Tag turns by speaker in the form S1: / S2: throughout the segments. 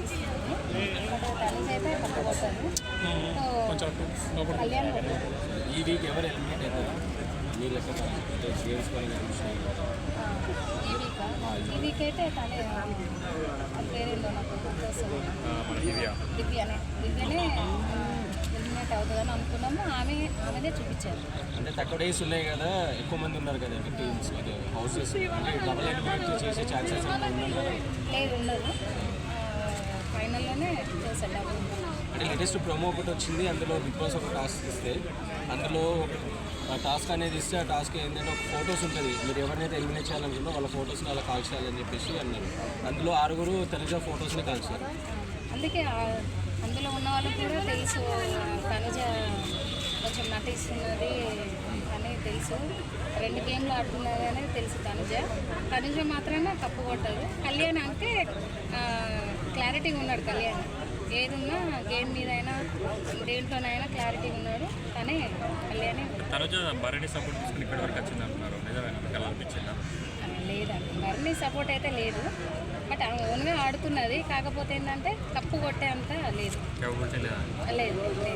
S1: ఇస్తున్నాను. తనుజ్ అయితే పట్టుకొస్తాను. కళ్యాణ్
S2: ఈ వీక్ ఎవరు ఎలిమినేట్ అవుతారు మీ లెక్క గేమ్స్ పరంగా
S1: ఈ వీక్ అయితే తనే పేరేందో నాకు గుర్తొస్తుంది. దివ్యనే ఎలిమినేట్ అవుతుందని అనుకున్నాము. ఆమెనే చూపించారు.
S2: అంటే తక్కువ డేస్ ఉన్నాయి కదా, ఎక్కువ మంది ఉన్నారు కదా టీమ్స్ హౌసెస్, అంటే డబుల్ ఎలిమినేట్ చేసే ఛాన్సెస్
S1: లేదు, ఉండదు. ఫైనల్లోనే చేశారు డబుల్.
S2: అంటే లేటెస్ట్ ప్రోమో ఒకటి వచ్చింది, అందులో బిగ్ బాస్ ఒక టాస్క్ ఇస్తే అందులో టాస్క్ అనేది ఇస్తే ఆ టాస్క్ ఏంటంటే ఒక ఫొటోస్ ఉంటుంది, మీరు ఎవరినైతే ఎలిమినేట్ చేయాలనుకుందో వాళ్ళ ఫొటోస్ని అలా కాల్చేయాలని చెప్పేసి అన్నారు. అందులో 6 తనుజ ఫొటోస్ని కాల్చారు.
S1: అందుకే అందులో ఉన్న వాళ్ళకి కూడా తెలుసు తనుజ కొంచెం నటిస్తున్నది అని తెలుసు. 2 గేమ్లు ఆడుతున్నది అనేది తెలుసు. తనుజ మాత్రమే తప్పు కొట్టదు. కళ్యాణ్ అంటే క్లారిటీగా ఉన్నాడు. కళ్యాణ్ ఏదున్నా గేమ్ మీద అయినా దేంట్లోనైనా క్లారిటీగా ఉన్నాడు. కానీ కళ్యాణ్
S3: తనుజ భరణి సపోర్ట్ తీసుకుని ఇక్కడి వరకు వచ్చింది అంటున్నారు. నిజమేనా అనిపించిందా?
S1: లేదండి, భరణి సపోర్ట్ అయితే లేదు. బట్ ఆమె ఓన్గా ఆడుతున్నది. కాకపోతే ఏంటంటే తప్పు కొట్టే అంత లేదు. లేదు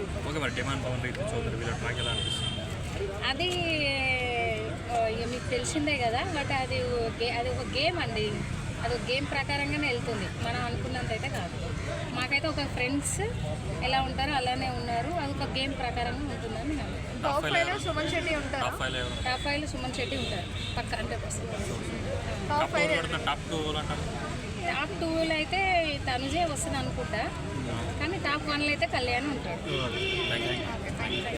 S1: అది మీకు తెలిసిందే కదా. బట్ అది ఒక గేమ్ అండి. అది ఒక గేమ్ ప్రకారంగానే వెళ్తుంది. మనం అనుకున్నంత అయితే కాదు. మాకైతే ఒక ఫ్రెండ్స్ ఎలా ఉంటారో అలానే ఉన్నారు. అది ఒక గేమ్ ప్రకారంగా ఉంటుందని నేను
S4: టాప్ 5 సుమన్ శెట్టి ఉంటారు.
S1: టాప్ 5 సుమన్ శెట్టి ఉంటారు పక్క. అంటే
S4: టాప్
S1: 2లో అయితే తనుజే వస్తుంది అనుకుంటా. కానీ టాప్ 1లో అయితే కళ్యాణ్ ఉంటాడు.